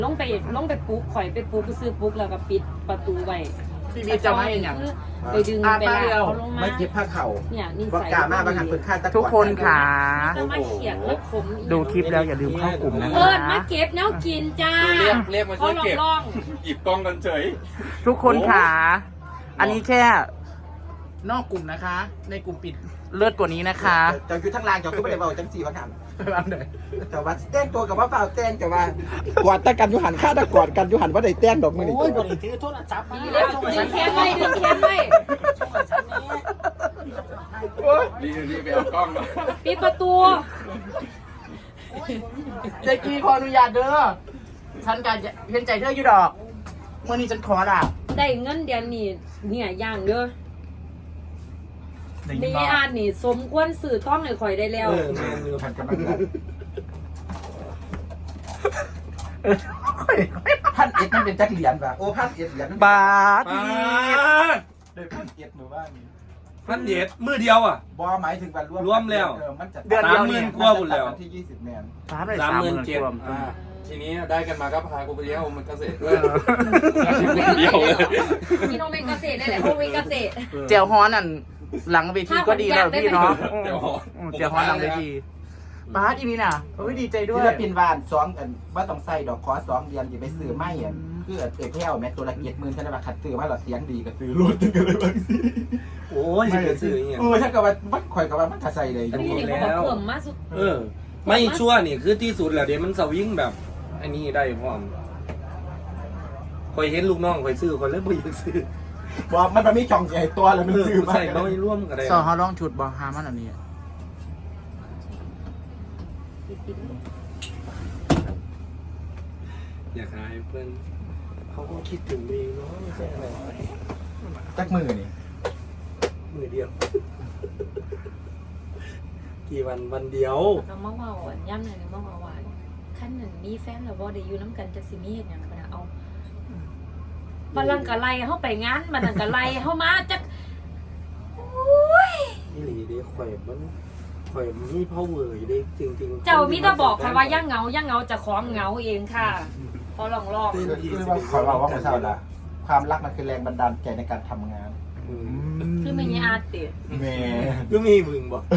ลงไปปลุกข่อยไปปลุกซื้อปลุกแล้วก็ปิดประตูไว้พี่มีจะไม่อย่างไปดึงไปลากเขาลงมาไม่เก็บผ้าเข่าเนี่ยนี่บอกใส่กามาบางครั้งเป็นค่าตะกทุกคนค่ะจะมาเขียนแล้วขมดูคลิปแล้วอย่าลืมเข้ากลุ่มนะเอิคะญมาเก็บแนวกินจ้าเรียกมาช่วยเก็บลองหยิบกล้องกันเฉยทุกคนค่ะอันนี้แค่นอกกลุ่มนะคะ ในกลุ่มปิดเลิศกว่านี้นะคะจะอยู่ทั้งรางจะขึ้นไปเบาจังสี่วันหันอันไหนแต่ว่าแต้งตัวกับว่าเปล่าแต้งแต่ว่ากอดตะกันยุหันฆ่าตะกอดกันยุหันว่าได้แต้งดอกมือนี่โอ้ยบริถือโทรศัพท์มาๆดึงแขนไว้ดึงแขนไว้นี่ไปเอากล้องมาปิดประตูเจ๊กี้ขออนุญาตเด้อฉันการเห็นใจเธออยู่ดอกเมื่อนี้ฉันขอละได้เงินเดือนนี่เนี่ยย่างเด้อไม่อ่านนี่สมควรสื่อต้องให้ข่อยได้แล้วหันกันมาพันเอ็ดมันเป็นจักเหรียญป่ะโอ้พันเอ็ดเหรียญบาทป้าได้พันเอ็ดหมู่บ้านนี้พันเย็ดมือเดียวอ่ะบอหมายถึงวันรวมรวมแล้วมันจะเดือนเดียวนี่ 30,000 กว่าหมดแล้ววันที่20 แมนบาทเลย 37,000 รวมทีนี้ได้กันมาก็พากูไปเลี้ยงโอมันเกษตรด้วยเดียวเลยพี่น้องเป็นเกษตรได้แหละโอเป็นเกษตรเจียวฮ้อนนั่นหลังเวทีก็ดีแล้วพี่เนาะเดี๋ยวเจียวฮ้อนหลังเวทีบาทอีนี่น่ะเฮ้ยดีใจด้วศิยลปินวานสองอันว่าต้องใส่ดอกคอ2 เดือนอย่าไปซื้อไม่อ่ะคือเอ็ดแพ้วแม่ตัวละ70,000ฉันว่าขัดซื้อมาหรอเสียงดีก็ซื้อรถกันเลยบางทีโอ้ยจะเป็นสื่ออย่างเงี้ยถ้าเกิดว่ามันข่อยกับว่ามันถ้าใส่เลยอยู่พี่นี่เขาบอกเพิ่มมาสุดไม่ชั่วนี่คือที่สุดแหละเดี๋ยวมันสวิงแบบอันนี้ได้พร้อมคอยเห็นลูกน้องคอยซื้อคอยเล่นบ่อยากซื้อบอกมันมีช่องใหญ่ตัวแล้วมันซื้อมาใส่น้อยร่วมกันได้สอเขาลองชุดบอฮามันอันนี้อยากหายเพื่อนเขาก็คิดถึงเองเนาะไม่ใช่อะไรจักมือนี่มือเดียว กี่วันเดียวเราเมื่อวานย่ำหน่อยเมื่อวานขั้นหนึ่งมีแฟนแล้วบ่ได้อยู่น้ำกันจะสิมีเหตุอย่างไรเอาบัลลังก์กะไลเข้าไปงานบัลลังก์กะไลเข้ามาจักโอ้ยนี่หลีเด้ข่อยมีพ่อเวอร์เด้จริงๆเจ้ามิตรบอกค่ะว่าย่างเหงาจะของเหงาเองค่ะ พอลองคือว่าขอบอกว่าผมทราบละความรักมันคือแรงบันดาลใจในการทำงานคือไม่มีอาร์ติแม่ก็มีมึงบอก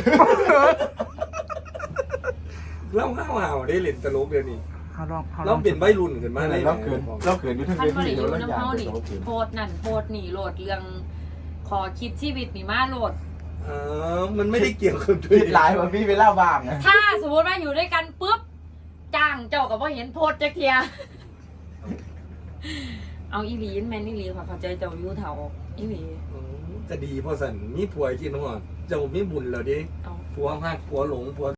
เล่าข้าวได้เล่นตลกเดี๋ยวนี้เขาลองเราเป็นใบรุ่นขึ้นมาอะไรเลยเราเขินอยู่ทั้งท่านเวก็ทีได้อเดี๋ยวยู่เราน้ำอยากเฮาเดี๋นี่ยวเราเขินโพดนั่นโพดนี่โหลดเรื่องขอคิดชีวิตนี่มาโหลดมันไม่ได้เกี่ยวกับด้วคิยดหลายว่าพี่เวลาว่างนะถ้าสมมติว่าอยู่ด้วยกันปุ๊บจ้างเจ้ากับว่าเห็นโพดจักเทียเอาอีหลีนแมนอีหลีค่ะเข้าใจเจ้าอยู่เถาอีหลีจะดีพอสันมีผัวกินหัวเจ้ามีบุญแล้วดิเอาผัวหักผัวหลงผัว